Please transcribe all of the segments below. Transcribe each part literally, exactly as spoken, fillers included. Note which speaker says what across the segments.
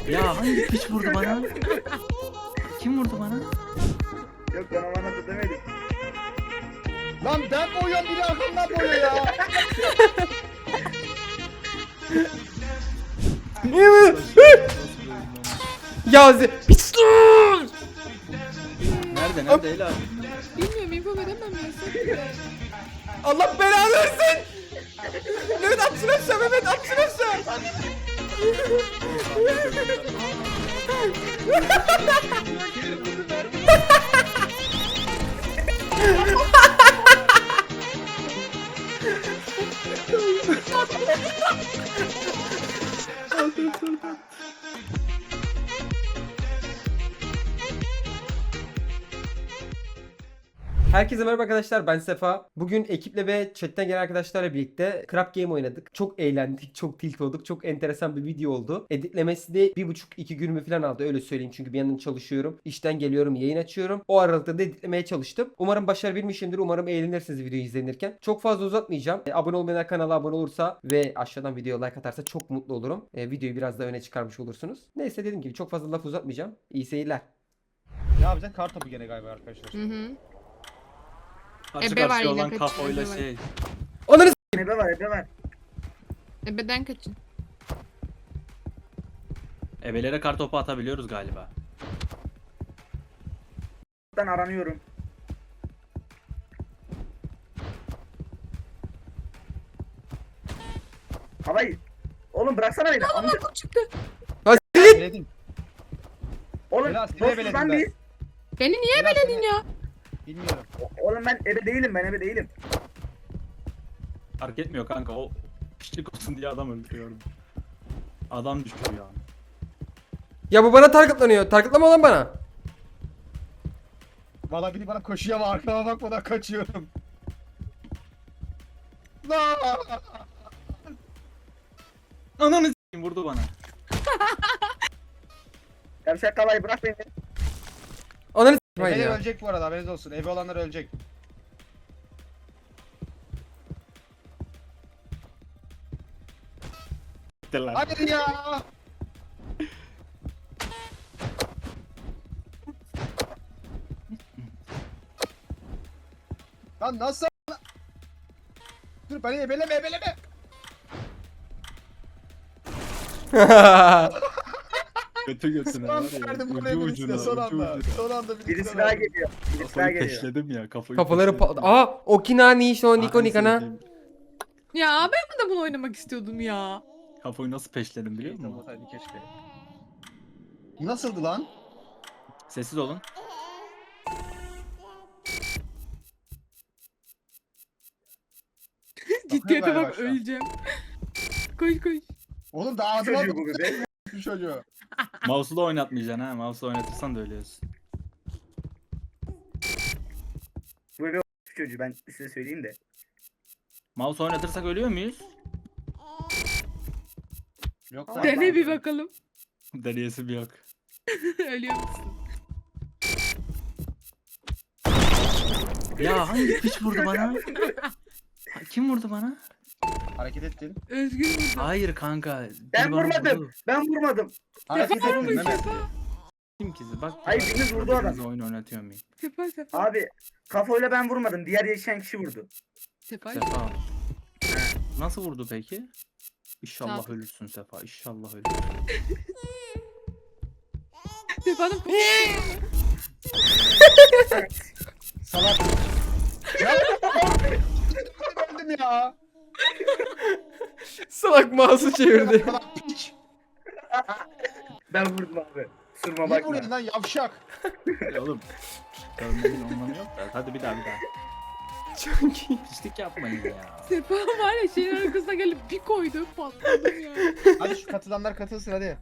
Speaker 1: Ya hangi piç vurdu bana? Kim vurdu bana?
Speaker 2: Yok bana bana da demedim.
Speaker 3: Lan ben boyuyorum biri arkamdan boyuyor ya.
Speaker 4: Ya ze- piston!
Speaker 1: Nerede nerede Ela?
Speaker 5: Bilmiyorum info veremem ya.
Speaker 4: Allah belanı versin! Mehmet atsın aşağı, Mehmet atsın aşağı! Herkese merhaba arkadaşlar, ben Sefa. Bugün ekiple ve chatten gelen arkadaşlarla birlikte Crap Game oynadık. Çok eğlendik, çok tilt olduk. Çok enteresan bir video oldu. Editlemesi de bir buçuk iki günümü falan aldı, öyle söyleyeyim. Çünkü bir yandan çalışıyorum, işten geliyorum, yayın açıyorum. O aralıkta da editlemeye çalıştım. Umarım başarabilmişimdir. Umarım eğlenirsiniz videoyu izlenirken. Çok fazla uzatmayacağım. E, abone olmayan kanala abone olursa ve aşağıdan videoya like atarsa çok mutlu olurum. E, videoyu biraz daha öne çıkarmış olursunuz. Neyse, dediğim gibi çok fazla laf uzatmayacağım. İyi seyirler.
Speaker 3: Ne yapacaksın? Kar topu gene galiba arkadaşlar.
Speaker 5: Hı hı.
Speaker 1: Karşı
Speaker 5: Ebe var
Speaker 1: karşıya
Speaker 5: yine,
Speaker 1: olan
Speaker 5: kaçın,
Speaker 1: kafayla
Speaker 5: ebe var.
Speaker 1: şey.
Speaker 4: Onları s-
Speaker 2: Ebe var ebe var.
Speaker 5: Ebeden kaçın.
Speaker 1: Ebelere kar topu atabiliyoruz galiba.
Speaker 2: Ben aranıyorum. Havayı. Oğlum bıraksana beni. Amca.
Speaker 5: Kurt çıktı.
Speaker 3: Beledim.
Speaker 2: Oğlum
Speaker 3: Biraz seni
Speaker 2: dostuz
Speaker 3: ebeledim
Speaker 2: lan
Speaker 3: ben.
Speaker 2: biz.
Speaker 5: Beni niye
Speaker 3: Biraz
Speaker 5: beledin
Speaker 3: seni-
Speaker 5: ya?
Speaker 3: Bilmiyorum.
Speaker 2: Oğlum ben ebe değilim ben ebe değilim.
Speaker 1: Fark etmiyor kanka, o piçlik olsun diye adam öldürüyorum. Adam düşüyor ya.
Speaker 4: Ya bu bana targetlanıyor. Targetlama lan bana.
Speaker 3: Valla biri bana koşuyor ama arkama bakmadan kaçıyorum. Lan!
Speaker 1: Ananı s**eyim, vurdu bana.
Speaker 2: Yavşak havayı bırak beni.
Speaker 4: Onları s**eyim, haydi
Speaker 3: Ebeler
Speaker 4: ya.
Speaker 3: ölecek bu arada, haberiniz olsun. Ebe olanlar ölecek.
Speaker 1: Gitti lan.
Speaker 3: Hadi ya! Lan nasıl? Dur beni ebeleme ebeleme!
Speaker 1: Götü götüne
Speaker 3: Son
Speaker 1: var ya.
Speaker 3: verdim
Speaker 1: Ucu
Speaker 3: buraya
Speaker 1: ucuna,
Speaker 3: birisine son
Speaker 1: ucu
Speaker 3: anda.
Speaker 1: ucuna.
Speaker 3: Son anda birisine
Speaker 2: Birisi daha
Speaker 3: verdim.
Speaker 2: geliyor. Birisi daha
Speaker 1: Kafayı
Speaker 2: geliyor.
Speaker 1: peşledim ya, kafayı
Speaker 4: Kafaları
Speaker 1: peşledim.
Speaker 4: pa... Aa, Okinani şu Niko
Speaker 1: Anasını
Speaker 4: Nikana.
Speaker 1: satayım.
Speaker 5: Ya ben de bunu oynamak istiyordum ya.
Speaker 1: Kafayı nasıl peşledim biliyor musun?
Speaker 3: Olmasaydı keşke. Bu nasıldı lan?
Speaker 1: Sessiz olun.
Speaker 5: Ciddiyete
Speaker 3: galiba
Speaker 5: bak,
Speaker 3: şu an.
Speaker 5: öleceğim. Koş koş.
Speaker 3: Oğlum daha ağzıma
Speaker 2: Çocuğu bu bebe.
Speaker 3: bu çocuğu.
Speaker 1: Mouse'u da oynatmayacaksın ha. Mouse'u oynatırsan da ölüyorsun.
Speaker 2: Bu bebe o çocuğu ben size söyleyeyim de.
Speaker 1: Mouse oynatırsak ölüyor muyuz?
Speaker 3: Yok
Speaker 2: Tamam.
Speaker 3: lan.
Speaker 5: Dene bir bakalım.
Speaker 1: Deneyesi bir yok.
Speaker 5: Ölüyor musun?
Speaker 1: Ya hangi piç vurdu bana? Ha, kim vurdu bana?
Speaker 3: Hareket ettin.
Speaker 5: Özgür vurdu.
Speaker 1: Hayır kanka. biri
Speaker 2: Ben
Speaker 1: bana
Speaker 2: vurmadım.
Speaker 1: vurdu.
Speaker 2: Ben vurmadım.
Speaker 3: Hareket
Speaker 5: Sefa
Speaker 3: ettin
Speaker 5: vurmuş
Speaker 3: Mehmet.
Speaker 5: Sefa.
Speaker 1: Kim ki? Bak.
Speaker 2: Hayır,
Speaker 1: bak,
Speaker 2: biriniz vurdu
Speaker 1: birbirinize
Speaker 2: adam.
Speaker 1: oyun oynatıyor muyum?
Speaker 5: Sefa Sefa.
Speaker 2: Abi kafayla ben vurmadım. Diğer yaşayan kişi vurdu.
Speaker 5: Sefa.
Speaker 1: Sefa. Nasıl vurdu peki? İnşallah
Speaker 5: Sağ-
Speaker 1: ölürsün Sefa. İnşallah ölürsün.
Speaker 5: Sefa'nın
Speaker 3: Salak. Ya öldüm ya.
Speaker 4: Salak mouse'u çevirdi.
Speaker 3: Salak piç.
Speaker 2: Ben vurdum abi. Sırma
Speaker 3: Ne
Speaker 2: bakma.
Speaker 3: vuruyorsun lan yavşak?
Speaker 1: Ya oğlum. Görmenin anlamı yok da. Hadi bir daha bir daha.
Speaker 4: Çok iyi.
Speaker 1: Pislik yapmayın ya.
Speaker 5: Sefa var ya şeyin arkasına gelip bir koydu, patladım ya.
Speaker 3: Hadi şu katılanlar katılsın hadi.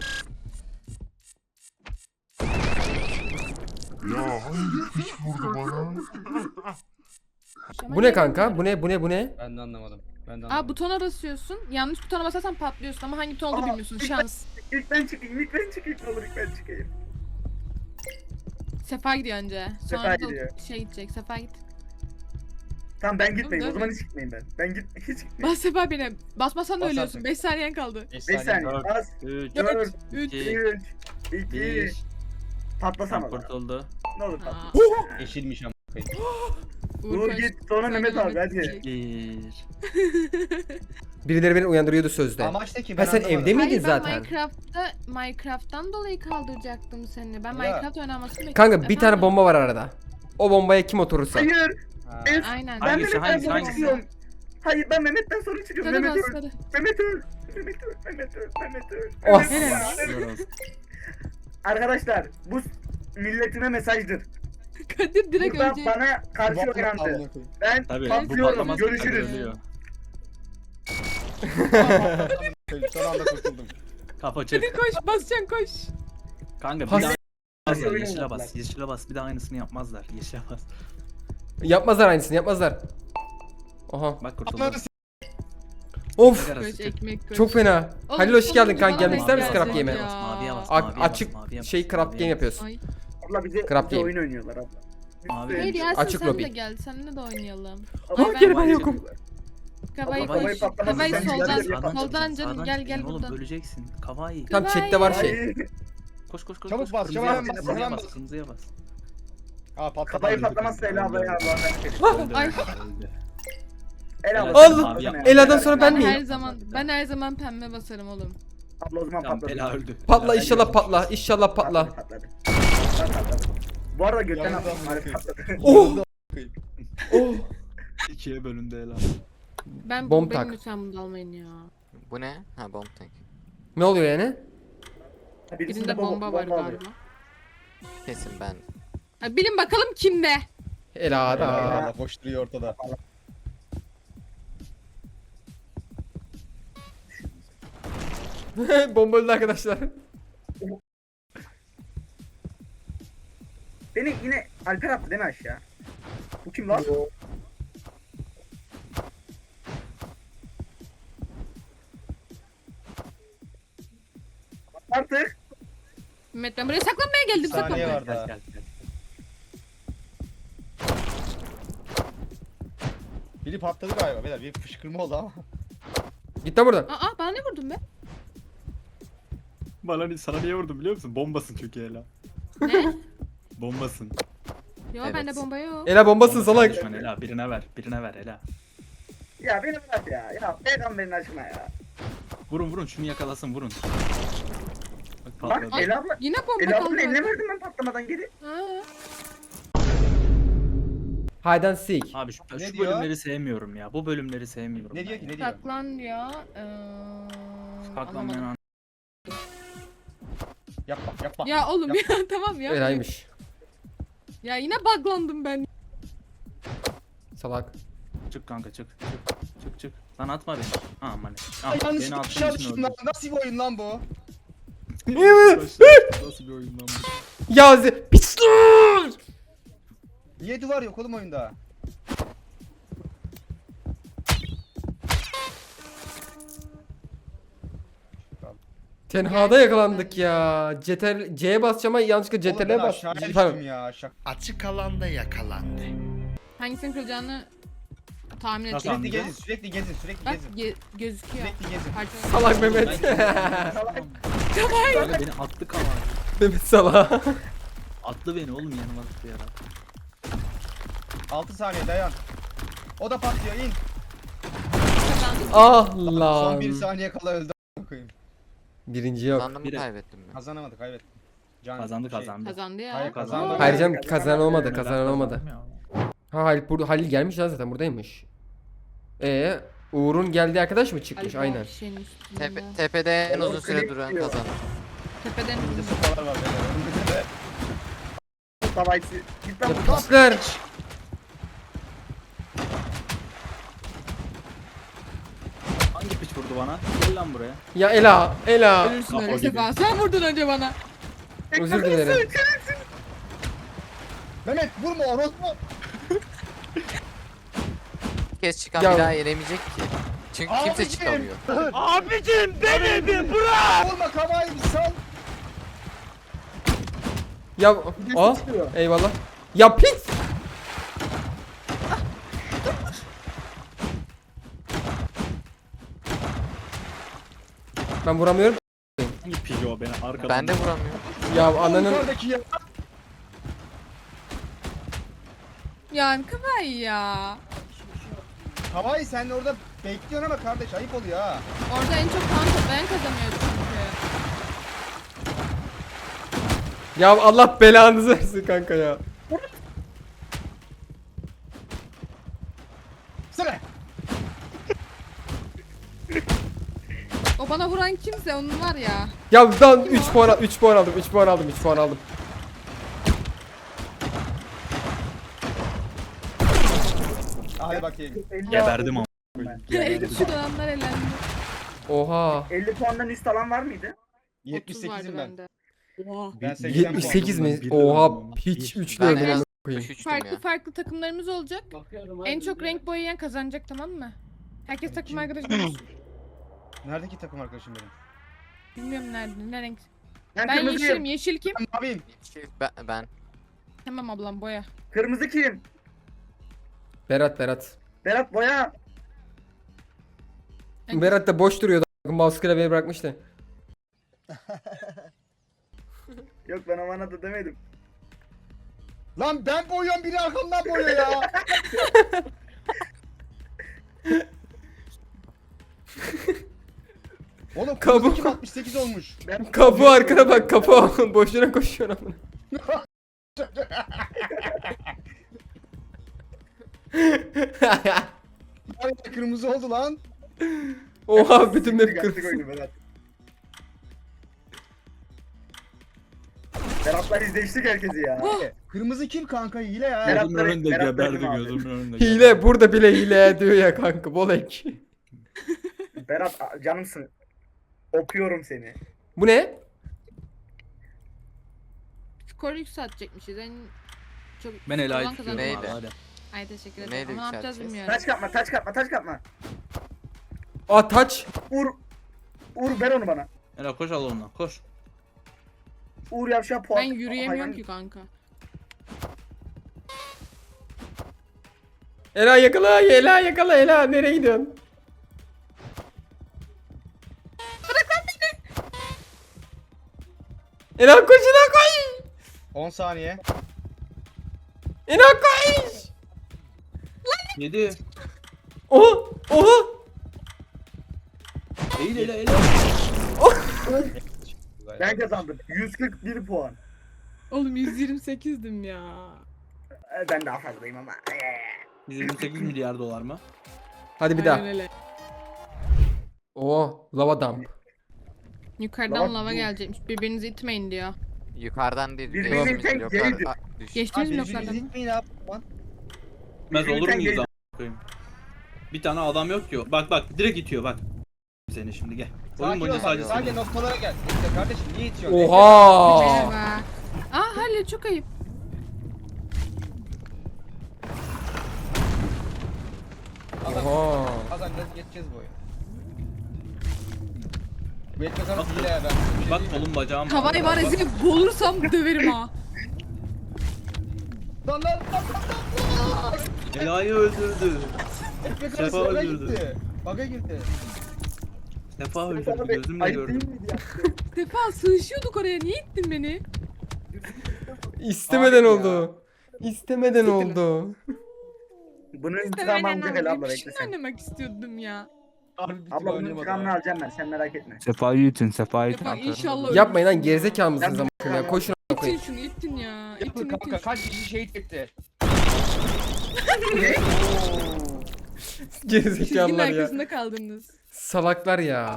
Speaker 4: Bu ne kanka? Bu ne? Bu ne? Bu ne?
Speaker 3: Ben de anlamadım. Ben de
Speaker 5: Aa, butona basıyorsun. Yanlış butona basarsan patlıyorsun ama hangi buton olduğunu
Speaker 2: Aa,
Speaker 5: bilmiyorsun.
Speaker 2: ilk
Speaker 5: Şans.
Speaker 2: İlk ben çıkayım. İlk ben çıkayım. Ne olur ilk ben çıkayım.
Speaker 5: Sefa gidiyor önce.
Speaker 2: Sefa
Speaker 5: Sonra da
Speaker 2: gidiyor.
Speaker 5: şey gidecek. Sefa git.
Speaker 2: Tamam ben gitmeyeyim. O
Speaker 5: Tamam,
Speaker 2: zaman hiç gitmeyeyim ben. Ben git hiç gitmeyeyim.
Speaker 5: Bas Sefa beni. Basmasan da
Speaker 3: Bas
Speaker 5: ölüyorsun.
Speaker 3: artık.
Speaker 5: beş saniyen kaldı.
Speaker 3: beş
Speaker 2: beş saniye.
Speaker 1: Dört,
Speaker 2: Az.
Speaker 1: üç,
Speaker 2: dört,
Speaker 5: üç,
Speaker 1: iki,
Speaker 2: üç, iki.
Speaker 1: bir.
Speaker 2: Patlasam
Speaker 1: Tam
Speaker 2: ama.
Speaker 1: kurtuldu.
Speaker 2: Ne olur
Speaker 5: Aa,
Speaker 2: patlasın.
Speaker 3: Yeşilmiş ama.
Speaker 2: Uğur
Speaker 5: Uğur
Speaker 2: git. Sonra Mehmet abi hadi.
Speaker 1: Bir.
Speaker 4: Birileri beni uyandırıyordu sözde.
Speaker 3: Amaç ne ki?
Speaker 4: Ha,
Speaker 3: Ben
Speaker 4: sen
Speaker 3: anlamadım.
Speaker 4: evde miydin
Speaker 5: Hayır ben
Speaker 4: zaten?
Speaker 5: Minecraft'ta Minecraft'tan dolayı kaldıracaktım seni. Ben
Speaker 3: Ya.
Speaker 5: Minecraft oynamasını bekliyorum.
Speaker 4: Kanka bir tane
Speaker 5: Efendim?
Speaker 4: bomba var arada. O bombaya kim oturursa.
Speaker 2: Hayır.
Speaker 3: Ha.
Speaker 2: Ben,
Speaker 5: Aynen.
Speaker 2: ben
Speaker 1: Hangisi,
Speaker 2: Mehmet'ten
Speaker 1: hangisi,
Speaker 2: sonra
Speaker 1: hangisi?
Speaker 2: çıkıyorum. Hayır ben Mehmet'ten sonra çıkıyorum.
Speaker 5: Sarı
Speaker 2: Mehmet
Speaker 5: bas
Speaker 2: öl.
Speaker 5: sarı.
Speaker 2: Mehmet öl. Mehmet öl. Mehmet öl. Mehmet öl.
Speaker 4: Oh.
Speaker 2: Mehmet öl.
Speaker 5: Helal.
Speaker 1: Helal olsun.
Speaker 2: Arkadaşlar bu milletime mesajdır.
Speaker 5: Kadir direkt
Speaker 2: Buradan
Speaker 5: ölecek.
Speaker 2: bana karşı
Speaker 3: Vallahi
Speaker 2: oynandı.
Speaker 3: amına koyayım.
Speaker 2: Ben
Speaker 1: Tabii bu
Speaker 2: patlıyorum.
Speaker 1: patlamaz.
Speaker 2: Görüşürüz.
Speaker 1: Ölüyor.
Speaker 3: Son anda kurtuldum.
Speaker 1: Kafa çek.
Speaker 5: Kadir koş basacaksın koş.
Speaker 1: Kanka bir
Speaker 4: Has-
Speaker 1: daha yapmazlar.
Speaker 2: Oyun
Speaker 1: Yeşile
Speaker 2: oynadılar.
Speaker 1: bas. Yeşile bas. Bir daha aynısını yapmazlar. Yeşile bas.
Speaker 4: Yapmazlar aynısını yapmazlar. Oha.
Speaker 1: Bak kurtuldu.
Speaker 3: Ananı s-
Speaker 4: Of.
Speaker 1: Sigara
Speaker 5: Koş
Speaker 1: sıkı.
Speaker 5: ekmek koş.
Speaker 4: Çok fena.
Speaker 5: Oğlum,
Speaker 4: Halil hoş geldin
Speaker 5: sonuncu
Speaker 4: kanka.
Speaker 5: bana
Speaker 4: Gelmek
Speaker 5: denk
Speaker 4: ister misin
Speaker 5: gelecek
Speaker 4: Crap Game'e?
Speaker 5: ya.
Speaker 1: Maviye bas.
Speaker 4: A-
Speaker 1: Maviye bas.
Speaker 4: açık
Speaker 1: maviye bas,
Speaker 4: şey Crap
Speaker 1: maviye
Speaker 4: Game
Speaker 1: bas.
Speaker 4: yapıyoruz.
Speaker 5: Ay.
Speaker 2: Abla bize,
Speaker 4: Crap
Speaker 2: bize
Speaker 4: game.
Speaker 2: oyun oynuyorlar abla.
Speaker 1: Mavi.
Speaker 5: Hayır Yasin
Speaker 4: Açık
Speaker 5: sen
Speaker 4: lobi.
Speaker 5: de gel. Seninle de oynayalım.
Speaker 2: Ama
Speaker 5: Ay, ben-
Speaker 4: geri ben yokum.
Speaker 5: Kavayı
Speaker 1: Kavayı
Speaker 5: koş.
Speaker 2: patlamasın,
Speaker 5: Kavayı
Speaker 2: sen
Speaker 5: soldan.
Speaker 2: güzel
Speaker 1: Sağdan
Speaker 5: Soldan
Speaker 1: çıkacaksın,
Speaker 5: canım
Speaker 1: sağdan
Speaker 5: gel gel
Speaker 1: çıkacaksın oğlum,
Speaker 5: buradan.
Speaker 1: böleceksin. Kavayı.
Speaker 4: Tam chatte var şey.
Speaker 2: Ay,
Speaker 1: Koş koş koş.
Speaker 3: Çabuk
Speaker 1: koş.
Speaker 3: bas,
Speaker 1: Kırmızıya
Speaker 3: çabuk
Speaker 1: bas.
Speaker 3: bas,
Speaker 1: Kırmızıya
Speaker 3: hemen
Speaker 1: bas.
Speaker 3: bas.
Speaker 1: Kırmızıya bas.
Speaker 3: Aa patladı.
Speaker 2: Kafayı
Speaker 3: öldü.
Speaker 2: patlamazsa Ela abla ya Allah'tan
Speaker 5: Ah,
Speaker 1: Öldü,
Speaker 5: ay.
Speaker 1: öldü.
Speaker 2: Ela abla.
Speaker 4: Allah!
Speaker 2: sen patlasana ya.
Speaker 4: Ela'dan sonra ben
Speaker 5: Ben
Speaker 4: miyim?
Speaker 5: her zaman ben her zaman pembe basarım oğlum.
Speaker 2: Abla o zaman
Speaker 1: Tamam
Speaker 2: patladı.
Speaker 1: Ela öldü.
Speaker 4: Patla
Speaker 1: Ela
Speaker 4: inşallah
Speaker 1: öldü.
Speaker 4: patla. İnşallah patla.
Speaker 2: Patladı. Patladı. Patladı. Bu arada götten
Speaker 3: Yanında
Speaker 2: attım.
Speaker 3: amına
Speaker 2: Harbi patladı.
Speaker 4: Oh! Oh!
Speaker 1: İkiye bölündü Ela.
Speaker 5: Ben
Speaker 4: Bomb
Speaker 5: benim
Speaker 4: tak.
Speaker 5: lütfen bunu da almayın ya.
Speaker 6: Bu ne? Ha bomb tank.
Speaker 4: Ne oluyor yani?
Speaker 5: Birinde bomba var
Speaker 2: alıyor.
Speaker 5: galiba.
Speaker 6: Kesin ben.
Speaker 5: Ha, bilin bakalım kimde?
Speaker 4: Ela'da.
Speaker 3: Aa, koşturuyor ortada.
Speaker 4: Bomba öldü arkadaşlar.
Speaker 2: Beni yine Alper attı değil mi aşağı? Bu kim lan? Artık.
Speaker 5: Mehmet ben buraya saklanmaya geldim
Speaker 3: Saniye
Speaker 5: saklanmaya.
Speaker 3: var
Speaker 1: Gel
Speaker 3: daha.
Speaker 1: gel gel.
Speaker 3: Biri patladı galiba beyler. Bir fışkırma oldu ama.
Speaker 4: Git lan buradan.
Speaker 5: Aa bana ne vurdun be?
Speaker 1: Bana ni- sana niye vurdum biliyor musun? Bombasın çünkü Ela.
Speaker 5: Ne?
Speaker 1: Bombasın.
Speaker 5: Yo
Speaker 6: Evet.
Speaker 5: bende bomba yok.
Speaker 4: Ela bombasın
Speaker 1: Bombasın
Speaker 4: salak.
Speaker 1: düşman Ela. Birine ver. Birine ver Ela.
Speaker 2: Ya beni bırak ya. Ya peygamberin aşkına ya.
Speaker 1: Vurun vurun şunu yakalasın vurun. Bak
Speaker 2: Bak
Speaker 1: patladı.
Speaker 2: Ela abla.
Speaker 5: Yine bomba
Speaker 2: Ela
Speaker 5: kaldı.
Speaker 2: ablanın eline verdim ben patlamadan geri.
Speaker 5: Ha.
Speaker 4: Hide and seek.
Speaker 1: Abi şu,
Speaker 3: Ne
Speaker 1: şu
Speaker 3: diyor?
Speaker 1: bölümleri sevmiyorum ya. Bu bölümleri sevmiyorum.
Speaker 3: Ne
Speaker 1: ben
Speaker 3: diyor ki
Speaker 1: ya.
Speaker 3: ne diyor?
Speaker 5: Saklan diyor. Ee,
Speaker 1: Saklanmayan
Speaker 5: anlamadım.
Speaker 1: an-
Speaker 3: Yapma yapma.
Speaker 5: Ya oğlum ya tamam ya.
Speaker 4: Ela'ymış.
Speaker 5: Ya yine buglandım ben.
Speaker 4: Salak.
Speaker 1: Çık kanka çık çık çık çık. Lan atma beni. Aman.
Speaker 3: Ay,
Speaker 1: Ah,
Speaker 3: yanlış
Speaker 1: beni attığın
Speaker 3: dışarı
Speaker 1: için
Speaker 3: düştüm lan.
Speaker 1: öldüm.
Speaker 3: Nasıl bir oyun lan bu?
Speaker 1: Nasıl bir oyun lan bu?
Speaker 4: Ya ze... Pisler!
Speaker 3: Niye duvar yok oğlum oyunda?
Speaker 4: Tenhada yakalandık ya. Ceter C'ye basacağım ama yanlışlıkla
Speaker 3: Oğlum ben
Speaker 4: Ctrl'e bas.
Speaker 3: aşağıya
Speaker 4: Pardon.
Speaker 3: düştüm ya. Şak.
Speaker 7: Açık alanda yakalandı.
Speaker 5: Hangisinin kırılacağını tahmin
Speaker 1: Nasıl
Speaker 5: edeceğim.
Speaker 3: Sürekli
Speaker 1: anladın?
Speaker 3: gezin sürekli gezin sürekli
Speaker 5: Bak
Speaker 3: gezin.
Speaker 5: ge- gözüküyor.
Speaker 3: Sürekli gezin.
Speaker 5: Parça-
Speaker 4: Salak Mehmet.
Speaker 1: Kanka beni attı kava.
Speaker 4: Mehmet salak.
Speaker 1: Attı beni oğlum yanıma attı ya.
Speaker 3: altı saniye dayan. O da patlıyor in.
Speaker 5: Kazandık.
Speaker 4: Ah
Speaker 3: Son
Speaker 4: lan.
Speaker 3: bir saniye kala öldü. a**ına koyayım.
Speaker 4: Birinci yok.
Speaker 6: Kazandım mı
Speaker 1: Biri-
Speaker 6: kaybettim mi?
Speaker 3: Kazanamadık kaybettik. Can,
Speaker 1: Kazandı
Speaker 3: şey,
Speaker 1: kazandı.
Speaker 5: Kazandı ya.
Speaker 3: Hayır, kazandı.
Speaker 4: Hayır canım kazanan olmadı.
Speaker 1: Neden
Speaker 4: Kazanan olmadı.
Speaker 1: kazandım ya?
Speaker 4: Ha Halil, burada, Halil gelmiş lan zaten buradaymış. Ee, Uğur'un geldiği arkadaş mı çıkmış?
Speaker 5: Ay,
Speaker 4: Aynen.
Speaker 5: bu şeyin üstünde.
Speaker 6: Tepe, tepede en uzun
Speaker 2: Oğlum,
Speaker 6: süre
Speaker 2: klik
Speaker 6: duran
Speaker 2: diyor.
Speaker 6: kazanır.
Speaker 5: Tepeden
Speaker 3: Bir de sopalar var beyler.
Speaker 2: Savaşçı. Git lan buradan.
Speaker 4: Pisler.
Speaker 1: Hangi piç vurdu bana? Gel lan buraya.
Speaker 4: Ya Ela, Ela.
Speaker 5: ölürsün
Speaker 1: Kafa
Speaker 5: öyle
Speaker 1: gibi.
Speaker 5: sefa. Sen vurdun önce bana.
Speaker 4: Özür dilerim.
Speaker 3: Mehmet vurma orospu.
Speaker 6: Bir kez çıkan
Speaker 4: Ya-
Speaker 6: bir daha yenemeyecek ki. Çünkü kimse
Speaker 3: Abicim!
Speaker 6: çıkamıyor.
Speaker 3: Vurma kavayı bir sal.
Speaker 4: Ya, aa, eyvallah. Ya pis. Ben vuramıyorum.
Speaker 1: Hangi pigi o beni arkadan?
Speaker 6: Ben de vuramıyorum.
Speaker 4: Ya ananın
Speaker 3: Yukarıdaki ya.
Speaker 5: Ya Kıvay ya.
Speaker 3: Havai sen orada bekliyorsun ama kardeş ayıp oluyor ha.
Speaker 5: Orada en çok puan toplayan kazanıyor çünkü.
Speaker 4: ya Allah belanızı versin kanka ya.
Speaker 3: Sıra.
Speaker 5: O bana vuran kimse onun var ya.
Speaker 4: Ya dan üç puan al- üç puan aldım. üç puan aldım. üç puan aldım.
Speaker 3: Hadi bakayım.
Speaker 1: Geberdim ama.
Speaker 5: Şu dönemler elendi.
Speaker 4: Oha.
Speaker 2: elli puandan üst alan var mıydı?
Speaker 3: yetmiş
Speaker 5: otuz vardı
Speaker 3: sekizim ben.
Speaker 5: bende. Oha.
Speaker 3: Ben seksen puan.
Speaker 4: yetmiş sekiz mi?
Speaker 1: Bir
Speaker 4: Oha
Speaker 1: aldım.
Speaker 4: hiç
Speaker 1: Bir.
Speaker 4: üçlü
Speaker 6: Ben en
Speaker 4: öldüm
Speaker 6: az
Speaker 4: amına koyayım.
Speaker 6: altmış üçtüm
Speaker 5: Farklı
Speaker 6: ya.
Speaker 5: farklı takımlarımız olacak. En çok renk boyayan kazanacak, tamam mı? Herkes takım arkadaşı olsun.
Speaker 3: Neredeki takım arkadaşım benim?
Speaker 5: Bilmiyorum nerede, ne renk.
Speaker 2: Ben,
Speaker 5: Ben
Speaker 2: kırmızıyım.
Speaker 5: yeşilim, yeşil kim?
Speaker 3: Ben maviyim.
Speaker 6: Ben, ben.
Speaker 5: Tamam ablam boya.
Speaker 2: Kırmızı kim?
Speaker 4: Berat Berat.
Speaker 2: Berat boya.
Speaker 4: Berat da boş duruyordu. Mouse klavyeyi bırakmıştı.
Speaker 2: Yok ben o bana da demedim.
Speaker 3: Lan ben boyuyorum biri arkamdan boyuyor ya. Oğlum
Speaker 4: Kabuk.
Speaker 3: kırmızı kim altmış sekiz olmuş.
Speaker 2: Ben
Speaker 4: Kapı arkana bak kapı boşuna koşuyor amına.
Speaker 3: Ay, kırmızı oldu lan.
Speaker 4: Oha bütün map
Speaker 2: Yaptık
Speaker 4: kırmızı.
Speaker 2: oyunu Berat. Berat'la izleştik herkesi ya.
Speaker 3: Kırmızı kim kanka hile ya.
Speaker 2: Berat-
Speaker 1: Gözümün önünde
Speaker 2: Berat
Speaker 1: geberdi
Speaker 2: dedim abi.
Speaker 1: gözümün önünde. geberdi.
Speaker 4: Hile burada bile hile diyor ya kanka bolek.
Speaker 2: Berat a- canımsın. Okuyorum seni.
Speaker 4: Bu ne?
Speaker 5: Skoru yükseltecekmişiz. En çok
Speaker 1: Ben Ela'yı
Speaker 5: olan
Speaker 1: tutuyorum
Speaker 5: kazanacak.
Speaker 6: Neydi?
Speaker 1: abi hadi.
Speaker 5: Ay teşekkür ederim.
Speaker 6: Neyle
Speaker 5: Ama ne yapacağız
Speaker 6: yükselteceğiz?
Speaker 5: bilmiyorum.
Speaker 2: Taç kapma, taç kapma, taç kapma.
Speaker 4: Aa taç.
Speaker 2: Uğur, Uğur ver onu bana.
Speaker 1: Ela koş al ondan koş.
Speaker 2: Uğur yavşağı puan.
Speaker 5: Ben yürüyemiyorum
Speaker 2: hayvan-
Speaker 5: ki kanka.
Speaker 4: Ela yakala, Ela yakala, Ela nereye gidiyorsun? Bırak lan beni. Ela koş, Ela koş.
Speaker 3: on saniye.
Speaker 4: Ela koş.
Speaker 1: Yedi.
Speaker 4: Oha, oha.
Speaker 1: Eğil ele ele.
Speaker 2: Ben kazandım. yüz kırk bir puan.
Speaker 5: Oğlum yüz yirmi sekizdim ya.
Speaker 2: Ee, Ben daha fazlayım ama.
Speaker 1: yüz yirmi sekiz milyar dolar mı?
Speaker 4: Hadi bir
Speaker 5: Aynen
Speaker 4: daha.
Speaker 5: öyle.
Speaker 4: Oo, lava dump.
Speaker 5: Yukarıdan
Speaker 2: Lava
Speaker 5: lava
Speaker 2: bu.
Speaker 5: gelecekmiş. Birbirinizi itmeyin diyor.
Speaker 6: Yukarıdan değil.
Speaker 2: Birbirini
Speaker 6: Geçtiğimiz
Speaker 2: tek
Speaker 6: bloklar-
Speaker 2: geridir.
Speaker 6: Aa, düş.
Speaker 5: Geçtiniz mi
Speaker 3: Abi
Speaker 5: bloklardan?
Speaker 3: yüzünüzü itmeyin abi. Lan.
Speaker 1: Bilmez olur
Speaker 2: Yürürken
Speaker 1: muyuz
Speaker 2: gel-
Speaker 1: a**? koyayım? Bir tane adam yok ki o. Bak bak direkt itiyor bak. Seni şimdi gel. Oyun
Speaker 3: Sakin ol
Speaker 1: boyunca
Speaker 3: bak.
Speaker 1: sadece
Speaker 3: Sadece
Speaker 1: seni.
Speaker 3: noktalara gel. İşte kardeşim niye itiyorsun?
Speaker 4: Oha.
Speaker 5: Merhaba. Aa Halil çok ayıp.
Speaker 4: Oha.
Speaker 3: Kazanacağız geçeceğiz bu oyunu. Bu etme kanıt hile ya ben.
Speaker 1: Bak kolum bacağım.
Speaker 5: Havayı var ya seni bulursam döverim ha.
Speaker 3: Lan lan lan lan.
Speaker 1: Ela'yı öldürdü.
Speaker 3: Etme kanıt
Speaker 1: Sefa
Speaker 3: baga
Speaker 1: öldürdü.
Speaker 3: gitti. Baga girdi.
Speaker 1: Sefa öldürdü gözümle
Speaker 2: Ayıp
Speaker 1: gördüm.
Speaker 2: değil miydi ya?
Speaker 5: Sefa sığışıyorduk oraya. Niye ittin beni?
Speaker 4: İstemeden
Speaker 3: Abi ya.
Speaker 4: oldu. İstemeden oldu.
Speaker 2: Bunun
Speaker 5: İşte
Speaker 2: intikamını
Speaker 5: ben
Speaker 2: alacak el abla bekle
Speaker 5: Şimdi
Speaker 2: sen.
Speaker 5: oynamak istiyordum ya.
Speaker 3: Harbi bir tık
Speaker 2: Abla bunun
Speaker 3: oynamadı
Speaker 2: intikamını
Speaker 3: ha.
Speaker 2: alacağım ben sen merak etme.
Speaker 1: Sefa'yı itin Sefa'yı
Speaker 5: Sefa inşallah
Speaker 4: Yapmayın lan
Speaker 5: ölürsün ya.
Speaker 4: gerizekalı mısınız
Speaker 2: Ben-
Speaker 4: ama ya? Koşun a**ına
Speaker 5: İttin
Speaker 4: koyayım.
Speaker 5: şunu ittin ya. İttin
Speaker 3: Yapın
Speaker 5: ittin.
Speaker 3: kanka kaç kişi şehit etti.
Speaker 4: Gerizekalılar
Speaker 5: Çizginin
Speaker 4: ya.
Speaker 5: arkasında kaldınız.
Speaker 4: Salaklar ya.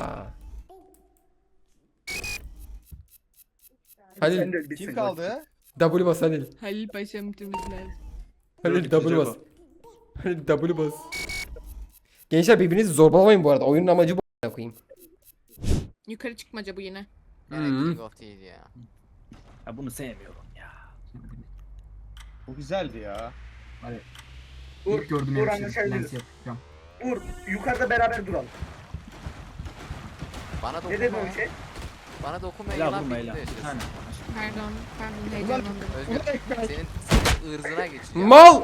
Speaker 4: Halil
Speaker 2: Sen de öl, bitsin.
Speaker 3: Kim kaldı?
Speaker 4: W bas Halil.
Speaker 5: Halil Paşa'm bitirmesi lazım.
Speaker 4: Halil
Speaker 1: Dört
Speaker 4: W bas.
Speaker 1: kişi
Speaker 4: Halil W bas. Gençler birbirinizi zorbalamayın bu arada. Oyunun amacı bu a**ına koyayım.
Speaker 5: Yukarı çıkmaca bu yine.
Speaker 6: Gene
Speaker 4: Hmm.
Speaker 6: King of değil ya.
Speaker 1: Ya bunu sevmiyorum ya.
Speaker 3: Bu güzeldi ya.
Speaker 2: Uğur, Uğur anlaşabiliriz. Uğur yukarıda beraber duralım.
Speaker 6: Bana
Speaker 2: Ne dedi
Speaker 6: dokunma.
Speaker 2: o şey?
Speaker 6: Bana dokunma
Speaker 1: Ela
Speaker 6: Ela
Speaker 1: vurma
Speaker 6: birlikte
Speaker 1: Ela. Bir
Speaker 6: yaşıyoruz.
Speaker 1: tane.
Speaker 5: Pardon. Pardon
Speaker 3: Ulan,
Speaker 5: heyecanlandım.
Speaker 6: Özgür
Speaker 3: ulan ekmek.
Speaker 6: senin, senin ırzına geçiyor.
Speaker 4: Mal!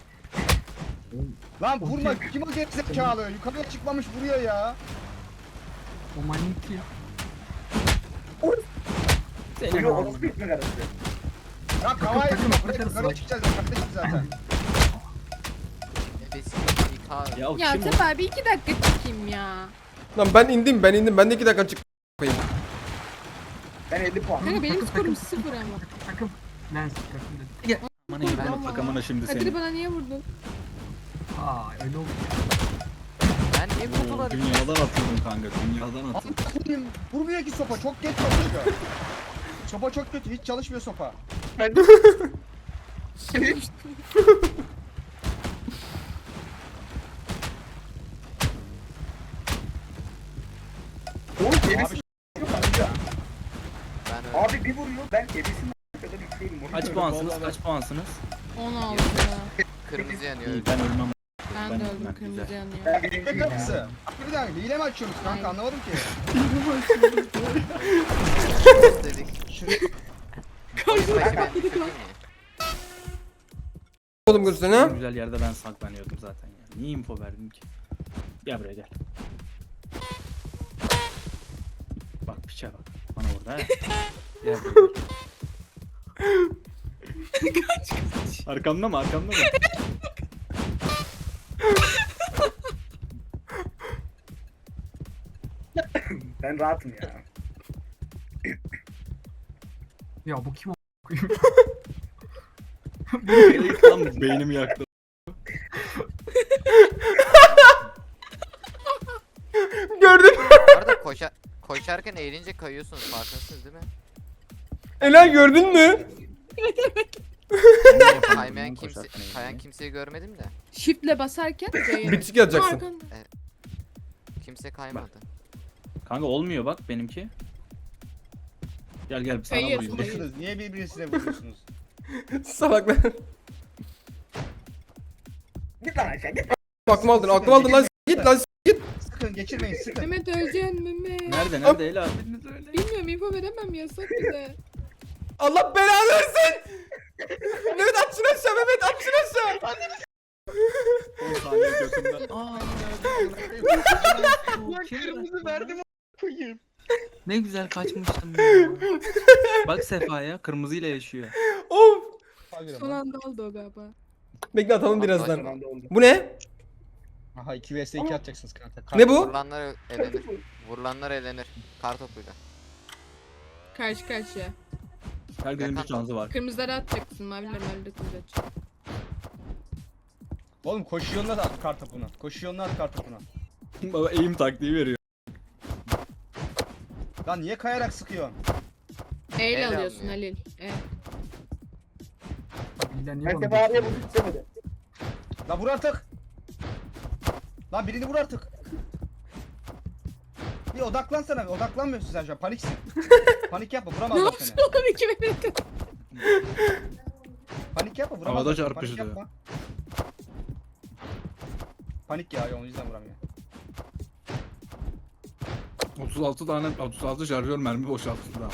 Speaker 3: Lan vurma kim o gerizekalı? Yukarıya çıkmamış vuruyor ya.
Speaker 8: O manyak ya.
Speaker 1: Senin
Speaker 2: Flo
Speaker 1: ağzını.
Speaker 2: orospu ekmek arası.
Speaker 3: Ya kavayı buraya yukarı çıkacağız. Yukarıda zaten.
Speaker 6: Nefesim yıkar.
Speaker 1: Ya,
Speaker 5: Ya
Speaker 1: kim o?
Speaker 5: Sefa bir iki dakika çıkayım ya.
Speaker 4: Lan ben indim ben indim. Ben de iki dakika çık koyayım.
Speaker 2: Ben elli puan.
Speaker 5: Kanka benim skorum sıfır ama.
Speaker 8: Takım. Lens takım dedi.
Speaker 1: Bana ben takamına şimdi
Speaker 5: Kadir'i
Speaker 1: seni.
Speaker 5: bana niye vurdun?
Speaker 8: Aa öyle oldu.
Speaker 6: Ben niye kutuları
Speaker 1: Dünyadan atıldım kanka. Dünyadan atıldım.
Speaker 3: Benim vurmuyor ki sopa. Çok geç çalışıyor. Sopa çok kötü. Hiç çalışmıyor sopa.
Speaker 2: Oğlum ebesi yok kanka.
Speaker 6: Ben öyle.
Speaker 2: Abi bir vuruyor. Ben ebesinin kadar yükseğim.
Speaker 1: Kaç puansınız? Kaç puansınız?
Speaker 5: on altı.
Speaker 6: Kırmızı yanıyor.
Speaker 1: İyi ben ölmem.
Speaker 5: Ben
Speaker 1: Ben-
Speaker 5: de öldüm
Speaker 1: ben
Speaker 5: kırmızı
Speaker 1: güzel.
Speaker 5: yanıyor.
Speaker 2: Ben birinci
Speaker 3: Ekmek kapısı. Bir dakika hile mi açıyorsunuz kanka anlamadım ki.
Speaker 6: dedik.
Speaker 3: Şuraya
Speaker 6: Oyun başı ben düşürdüm ya.
Speaker 4: Oğlum görsene
Speaker 1: En
Speaker 4: ha.
Speaker 1: güzel yerde ben saklanıyordum zaten ya. Niye info verdim ki? Gel buraya gel. Bak piçe bak. Bana orada he. Gel buraya. kaç kaç. Arkamda mı arkamda mı?
Speaker 2: Ben rahatım ya.
Speaker 8: Ya bu kim o?
Speaker 1: Lan beynimi yaktı.
Speaker 4: Gördün.
Speaker 6: Bu arada koşa koşarken eğilince kayıyorsunuz farkındasınız değil mi?
Speaker 4: Ela gördün mü?
Speaker 6: Kaymayan kimse, kayan kimseyi görmedim de.
Speaker 5: Shift'le basarken C'ye.
Speaker 4: Bitişik yazacaksın.
Speaker 5: Arkanda.
Speaker 6: Kimse kaymadı.
Speaker 1: Kanka olmuyor bak benimki. Gel gel sana
Speaker 5: Kayıyor,
Speaker 1: vurayım.
Speaker 5: kayıyor.
Speaker 3: vuruyorsunuz. Niye birbirinize vuruyorsunuz?
Speaker 4: Salaklar.
Speaker 2: Git lan aşağı git.
Speaker 4: Aklımı aldın aklımı aldın lan. Git lan. Git.
Speaker 3: Sıkın geçirmeyin sıkın.
Speaker 5: Mehmet öleceksin Mehmet.
Speaker 1: Nerede nerede Ela? Birini söyle.
Speaker 5: Bilmiyorum info veremem yasak bize.
Speaker 4: Allah belanı versin. Mehmet at şunu aşağı Mehmet at şunu aşağı.
Speaker 1: on saniye götümden. Aa
Speaker 3: Kırmızı verdim koyayım.
Speaker 1: ne güzel kaçmıştım ya. Bak Sefa'ya kırmızıyla yaşıyor.
Speaker 4: Of.
Speaker 5: Son anda oldu o galiba.
Speaker 4: Bekle atalım
Speaker 6: Tamam,
Speaker 4: birazdan.
Speaker 2: Son anda oldu.
Speaker 4: Bu ne?
Speaker 3: Aha iki vs iki atacaksınız kanka.
Speaker 4: Ne bu?
Speaker 6: Vurulanlar elenir. Vurulanlar elenir. Kartopuyla.
Speaker 5: Karşı karşıya.
Speaker 1: Herkesin bir şansı var.
Speaker 5: Kırmızıları atacaksın, maviler mavileri atacaksın.
Speaker 3: Oğlum koşuyorsun da at kar topuna. Koşuyorsun da at kar topuna.
Speaker 1: Baba eğim taktiği veriyor.
Speaker 3: Lan niye kayarak sıkıyorsun?
Speaker 5: E ile
Speaker 6: El
Speaker 5: alıyorsun
Speaker 6: almıyor.
Speaker 5: Halil. E.
Speaker 8: Bilden niye
Speaker 2: Ben
Speaker 8: bana
Speaker 2: Sefa abiye
Speaker 8: diyorsun?
Speaker 2: vurdum istemedi.
Speaker 3: Lan vur artık. Lan birini vur artık. Bir odaklansana bir odaklanmıyorsun sen şu an paniksin. Panik yapma
Speaker 5: Ne
Speaker 3: vuramazlar
Speaker 5: yapsın
Speaker 3: seni.
Speaker 5: oğlum iki Mehmet?
Speaker 3: Panik yapma vuramazlar.
Speaker 1: Havada
Speaker 3: seni,
Speaker 1: çarpıştı.
Speaker 3: Panik yapma. Panik ya o yüzden vuramıyor.
Speaker 1: otuz altı tane otuz altı şarjör mermi boşalttı daha.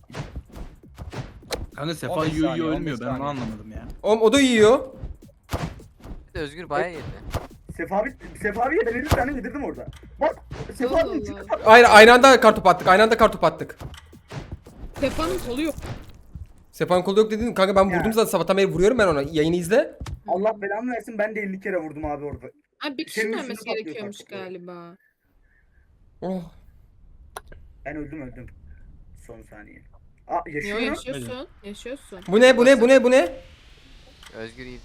Speaker 1: Kanka Sefa
Speaker 3: on beş
Speaker 1: yiyor
Speaker 3: saniye,
Speaker 1: yiyor
Speaker 3: on
Speaker 1: ölmüyor
Speaker 3: beş
Speaker 1: ben onu
Speaker 3: saniye.
Speaker 1: anlamadım ya.
Speaker 4: Oğlum o da yiyor.
Speaker 6: Bir de Özgür bayağı yedi.
Speaker 2: Sefa abi, Sefa abiye ben elli tane yedirdim orada. Bak Sefa
Speaker 5: Allah
Speaker 2: abi
Speaker 5: Allah.
Speaker 2: çıktı.
Speaker 4: Hayır aynı anda kartopu attık. Aynı anda kartopu attık.
Speaker 5: Sefa'nın kolu yok.
Speaker 4: Sefa'nın kolu yok dedin. Kanka ben
Speaker 2: Ya.
Speaker 4: vurdum zaten sabahtan beri vuruyorum ben ona. Yayını izle.
Speaker 2: Allah belamı versin ben de elli kere vurdum abi orada.
Speaker 5: Abi bir kişinin
Speaker 2: Senin
Speaker 5: ölmesi
Speaker 2: üstüne patlıyor
Speaker 5: gerekiyormuş
Speaker 2: kanka.
Speaker 5: galiba.
Speaker 4: Oh.
Speaker 2: Ben öldüm öldüm. Son saniye. Aa
Speaker 5: Yo
Speaker 2: yaşıyor mu?
Speaker 5: yaşıyorsun. Yaşıyorsun.
Speaker 4: Bu ne bu ne bu ne bu ne?
Speaker 6: Özgür iyi de.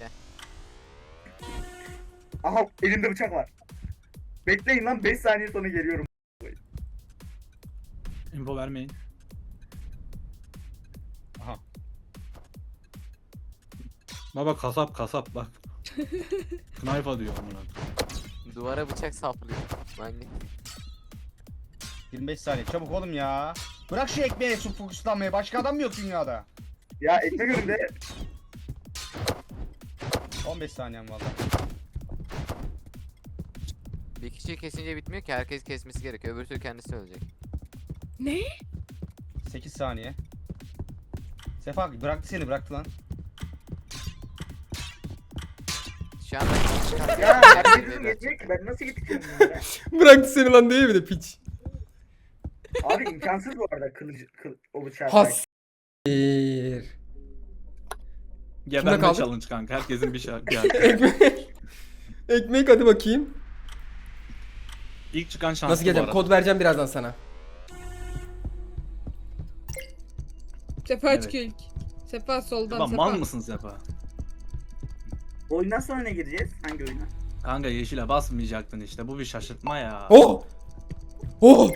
Speaker 2: Aha elimde bıçak var. Bekleyin lan beş saniye sonra geliyorum.
Speaker 1: Info vermeyin.
Speaker 3: Aha.
Speaker 1: Baba kasap kasap bak. Knife'a diyor amına.
Speaker 6: Duvara bıçak saplıyor. Manyak.
Speaker 3: yirmi beş saniye çabuk oğlum ya. Bırak şu ekmeğe su fokuslanmaya başka adam mı yok dünyada?
Speaker 2: Ya ekmek önünde.
Speaker 3: on beş saniyem valla.
Speaker 6: Bir kişiyi kesince bitmiyor ki herkes kesmesi gerekiyor. Öbür türlü kendisi ölecek.
Speaker 5: Ne?
Speaker 3: sekiz saniye. Sefa bıraktı seni bıraktı lan.
Speaker 6: Şu anda
Speaker 2: Ya herkesin yetecek ki ben nasıl yetişeceğim bunlara?
Speaker 4: Bıraktı seni lan diye bir de piç.
Speaker 2: Abi imkansız bu arada kılıcı kıl, o bıçağı.
Speaker 4: Has.
Speaker 1: Geberme
Speaker 4: kaldı?
Speaker 1: challenge kanka. Herkesin bir şarkı. Yani.
Speaker 4: Ekmek. Ekmek hadi bakayım.
Speaker 1: İlk çıkan şanslı
Speaker 4: Nasıl geleceğim?
Speaker 1: bu arada.
Speaker 4: Kod vereceğim birazdan sana.
Speaker 5: Sefa
Speaker 1: Evet.
Speaker 5: çıkıyor ilk. Sefa soldan
Speaker 1: Ulan
Speaker 5: Sefa.
Speaker 1: mal mısın Sefa?
Speaker 2: Oyundan sonra ne gireceğiz? Hangi oyuna?
Speaker 1: Kanka yeşile basmayacaktın işte. Bu bir şaşırtma ya.
Speaker 4: Oh! Oh!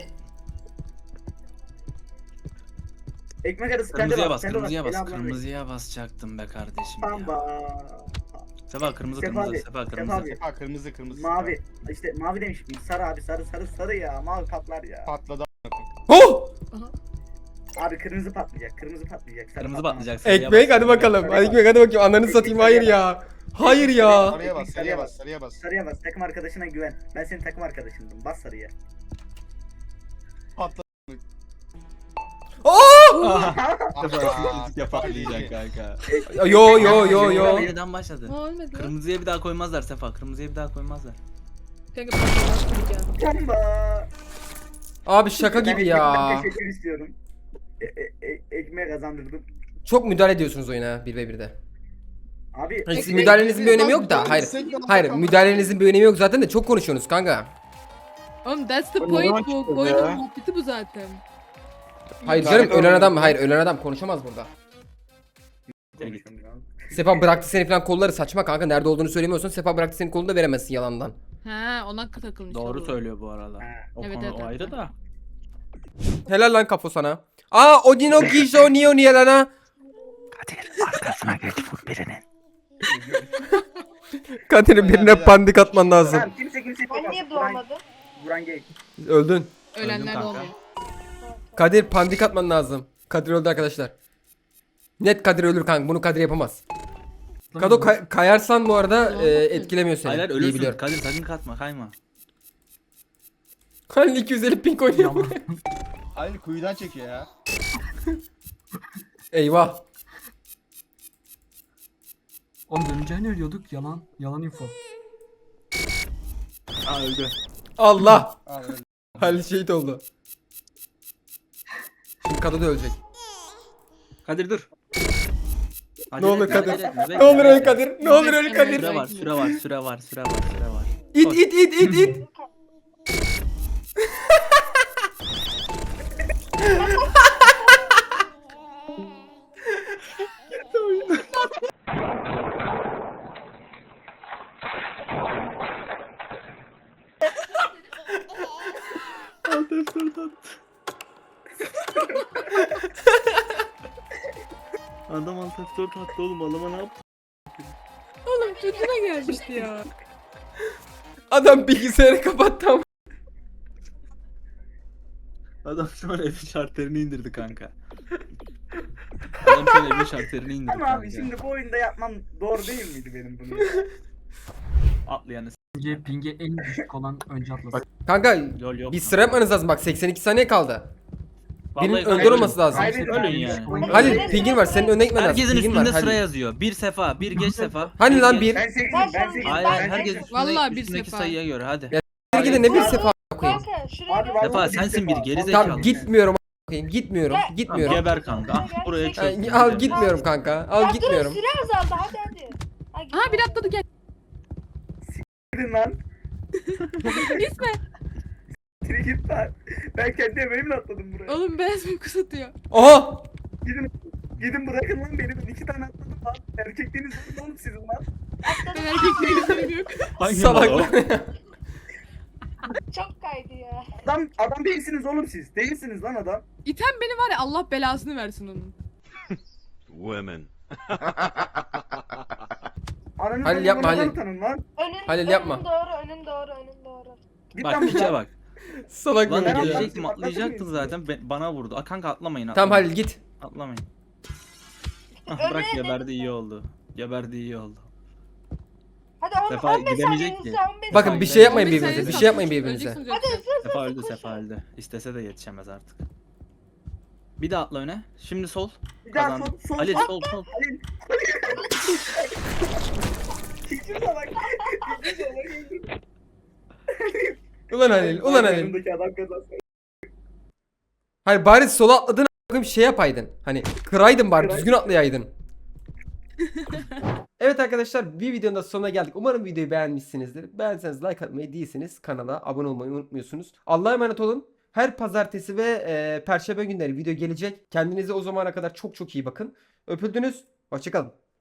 Speaker 2: Ekmek arası sende
Speaker 1: Kırmızıya
Speaker 2: bak,
Speaker 1: bas,
Speaker 2: sende
Speaker 1: kırmızıya
Speaker 2: bak.
Speaker 1: bas.
Speaker 2: Ela ablanın
Speaker 1: Kırmızıya basacaktım be kardeşim ya.
Speaker 2: Pamba.
Speaker 1: Sefa kırmızı
Speaker 2: Sefa
Speaker 1: kırmızı.
Speaker 2: abi,
Speaker 1: Sefa
Speaker 2: Sefa
Speaker 1: kırmızı.
Speaker 2: abi.
Speaker 3: Ha kırmızı kırmızı.
Speaker 2: Mavi. İşte mavi demişim. Sarı abi sarı sarı sarı ya. Mavi patlar ya.
Speaker 3: Patladı.
Speaker 4: Oh!
Speaker 2: Abi kırmızı patlayacak. Kırmızı patlayacak. sarı
Speaker 1: Kırmızı
Speaker 2: patlamaz.
Speaker 1: patlayacak. sarıya
Speaker 4: Ekmek
Speaker 1: bas.
Speaker 4: hadi bakalım. Hadi ekmek hadi bakayım. Ananı satayım. Hayır ya. Hayır ya.
Speaker 3: Sarıya bas, sarıya bas, sarıya bas.
Speaker 2: Sarıya bas. Takım arkadaşına güven. Ben senin takım arkadaşındım. Bas sarıya.
Speaker 3: Patladı.
Speaker 4: Oh!
Speaker 3: Aa,
Speaker 1: Ya patlayacak kanka.
Speaker 4: Yo yo yo yo.
Speaker 1: Yeniden başladı.
Speaker 5: Ha olmadı lan.
Speaker 1: Kırmızıya bir daha koymazlar Sefa. Kırmızıya bir daha koymazlar.
Speaker 5: Kanka ben de başlayacağım.
Speaker 2: Bomba.
Speaker 4: Abi şaka
Speaker 2: Ben
Speaker 4: gibi
Speaker 2: ekmekten
Speaker 4: ya.
Speaker 2: teşekkür istiyorum. E, e, e, ekmeğe kazandırdım.
Speaker 4: Çok müdahale ediyorsunuz oyuna bir ve birde.
Speaker 2: Abi
Speaker 4: Hayır, sizin
Speaker 5: Ekmek-
Speaker 4: müdahalenizin bir önemi yok da. Hayır. Hayır müdahalenizin bir önemi yok zaten de çok konuşuyorsunuz kanka.
Speaker 5: Oğlum that's the point bu. Oyunun muhabbeti bu zaten.
Speaker 4: Hayır canım ölen adam hayır ölen adam konuşamaz burada.
Speaker 2: konuşuyorum ya.
Speaker 4: Sefa bıraktı seni falan kolları saçma kanka. Nerede olduğunu söylemiyorsun. Sefa bıraktı senin kolunu da veremezsin yalandan.
Speaker 5: Ha ona takılmış.
Speaker 1: Doğru
Speaker 5: oldu.
Speaker 1: söylüyor bu arada.
Speaker 2: Ha.
Speaker 1: O
Speaker 5: Evet,
Speaker 1: konu
Speaker 5: evet,
Speaker 1: o ayrı
Speaker 5: evet.
Speaker 1: da.
Speaker 4: Helal lan kafo sana. Aa Odino Gijo Nio niye lan ha?
Speaker 1: Arkasına geç vur birinin.
Speaker 4: Kadir'in birine pandik atman lazım.
Speaker 2: Tamam kimse kimse
Speaker 9: Ben niye doğmadım?
Speaker 2: Buran gay.
Speaker 4: Öldün.
Speaker 5: Ölenler
Speaker 1: Öldüm
Speaker 5: de
Speaker 1: kanka.
Speaker 5: olmuyor.
Speaker 4: Kadir pandik atman lazım. Kadir öldü arkadaşlar. Net Kadir ölür kanka. Bunu Kadir yapamaz. Kado kay- kayarsan bu arada e, etkilemiyor seni.
Speaker 1: Hayır hayır
Speaker 4: İyi
Speaker 1: ölürsün.
Speaker 4: biliyorum.
Speaker 1: Kadir sakın katma kayma.
Speaker 4: Halil iki yüz elli ping oynuyor.
Speaker 8: Yalan.
Speaker 3: Halil kuyudan çekiyor ya.
Speaker 4: Eyvah.
Speaker 8: Oğlum döneceğini ölüyorduk. Yalan. Yalan info.
Speaker 1: Aa öldü.
Speaker 4: Allah.
Speaker 3: Aa, öyle.
Speaker 4: Halil şehit oldu. Şimdi Kado da ölecek.
Speaker 1: Kadir dur.
Speaker 4: Ne olur
Speaker 1: Acele etme,
Speaker 4: Kadir.
Speaker 1: acele etme, bekle,
Speaker 4: Ne olur öl
Speaker 1: bekle.
Speaker 4: Kadir. Ne olur öl Kadir.
Speaker 1: Süre var, süre var, süre var, süre var, süre var.
Speaker 4: İt it it it it.
Speaker 1: Adam alt F dört attı oğlum, adama ne yaptı?
Speaker 5: Oğlum çocuğuna gelmişti ya.
Speaker 4: Adam bilgisayarı kapattı ama.
Speaker 1: Adam şu an evin şartlarını indirdi kanka. Adam şu an evin şartlarını indirdi
Speaker 2: Ama
Speaker 1: kanka.
Speaker 2: abi şimdi bu oyunda yapmam doğru değil miydi benim bunu?
Speaker 1: Atlayanı s***
Speaker 8: Pinge, pinge en düşük olan önce atlasın.
Speaker 4: Kanka
Speaker 1: yol yok.
Speaker 4: bir sıra yapmanız lazım bak seksen iki saniye kaldı. Birinin
Speaker 1: Vallahi
Speaker 4: önde
Speaker 1: ölün.
Speaker 4: olması lazım.
Speaker 2: Kaybedin
Speaker 1: Ölün
Speaker 2: abi.
Speaker 1: yani.
Speaker 4: Halil pingin var senin önüne gitmen lazım.
Speaker 1: Herkesin
Speaker 4: Pingin
Speaker 1: üstünde
Speaker 4: var,
Speaker 1: sıra
Speaker 4: Halil.
Speaker 1: yazıyor. Bir sefa, bir geç sefa.
Speaker 4: Hani lan
Speaker 1: geç.
Speaker 4: bir.
Speaker 2: Ben sekizim
Speaker 9: Ben
Speaker 2: ben
Speaker 9: şu-
Speaker 2: sekizim.
Speaker 1: Hayır
Speaker 2: ben
Speaker 1: hayır
Speaker 9: Ben
Speaker 1: herkes
Speaker 2: sekizim.
Speaker 1: üstünde,
Speaker 5: Vallahi bir
Speaker 1: üstündeki
Speaker 5: sefa.
Speaker 1: sayıya göre hadi.
Speaker 4: Bir gidin ne bir sefa koyayım.
Speaker 9: Kanka şuraya
Speaker 2: Abi
Speaker 9: gel.
Speaker 2: vallahi
Speaker 1: Sefa
Speaker 2: bir
Speaker 1: sensin
Speaker 2: sefa.
Speaker 1: bir geri zekalı.
Speaker 4: Tamam gitmiyorum koyayım. Gitmiyorum.
Speaker 9: Ya-
Speaker 4: Gitmiyorum.
Speaker 1: Geber kanka. Ah, buraya
Speaker 4: Ay,
Speaker 1: çöktüm.
Speaker 4: al gitmiyorum kanka. Al
Speaker 9: Ya
Speaker 4: gitmiyorum.
Speaker 9: Dur süre azaldı hadi hadi. Ha, git.
Speaker 5: Aha bir atladı gel.
Speaker 2: Gidin lan.
Speaker 5: İsme.
Speaker 2: Geri git lan. Ben kendi emeğimle atladım buraya.
Speaker 5: Oğlum beyaz mı kusatıyor?
Speaker 4: Aha!
Speaker 2: Gidin. Gidin bırakın lan beni. Ben iki tane atladım lan. Erkekliğiniz yok mu oğlum sizin lan?
Speaker 5: Ben erkek değilim yok.
Speaker 1: Hangi
Speaker 4: Salak.
Speaker 1: mal o?
Speaker 9: Çok kaydı ya.
Speaker 2: Adam, adam değilsiniz oğlum siz. Değilsiniz lan adam.
Speaker 5: İten beni var ya Allah belasını versin onun.
Speaker 7: Women.
Speaker 2: Ananı
Speaker 4: Halil yapma, Halil.
Speaker 2: Tanın lan.
Speaker 9: Önün,
Speaker 4: Halil
Speaker 9: önün
Speaker 4: yapma.
Speaker 9: doğru önün doğru önün doğru.
Speaker 2: Git
Speaker 1: Bak
Speaker 2: lan
Speaker 1: piçe
Speaker 2: buradan.
Speaker 1: bak.
Speaker 4: Salak
Speaker 1: Lan
Speaker 4: böyle
Speaker 2: Ben
Speaker 4: gidiyor.
Speaker 1: diyecektim
Speaker 2: atladım,
Speaker 1: atlayacaktın
Speaker 2: atladım.
Speaker 1: zaten be- bana vurdu. Aa, kanka atlamayın
Speaker 4: Tamam
Speaker 1: atlamayın.
Speaker 4: Halil git.
Speaker 1: Atlamayın. Ah, bırak
Speaker 9: Öyle
Speaker 1: geberdi
Speaker 9: dedim
Speaker 1: iyi
Speaker 9: ben.
Speaker 1: oldu. Geberdi iyi oldu.
Speaker 9: Hadi on,
Speaker 1: Sefa
Speaker 9: on beş
Speaker 1: gidemeyecek
Speaker 9: saniyenizi
Speaker 1: ki.
Speaker 9: on beş
Speaker 4: Bakın bir şey yapmayın
Speaker 5: on beş
Speaker 4: birbirinize.
Speaker 5: saniye
Speaker 4: Bir şey yapmayın
Speaker 5: kalmış,
Speaker 4: birbirinize.
Speaker 5: öleceksiniz
Speaker 9: Hadi
Speaker 5: yoksa.
Speaker 9: hızlı hızlı
Speaker 1: Sefa öldü
Speaker 9: koşun.
Speaker 1: Sefa öldü. İstese de yetişemez artık. Bir de atla öne. Şimdi sol.
Speaker 2: Bir daha
Speaker 1: Kazandı.
Speaker 2: sol sol
Speaker 1: Ali
Speaker 2: sol.
Speaker 1: sol sol.
Speaker 2: Halil. İkinci salak. İkinci salak.
Speaker 4: Ulan Halil, ulan Halil.
Speaker 2: Yanımdaki adam kazansın.
Speaker 4: Hani bari sola atladın a**ım şey yapaydın. Hani kıraydın bari düzgün atlayaydın. Evet arkadaşlar bir videonun da sonuna geldik. Umarım videoyu beğenmişsinizdir. Beğenseniz like atmayı değilseniz kanala abone olmayı unutmuyorsunuz. Allah'a emanet olun. Her pazartesi ve e, perşembe günleri video gelecek. Kendinize o zamana kadar çok çok iyi bakın. Öpüldünüz. Hoşçakalın.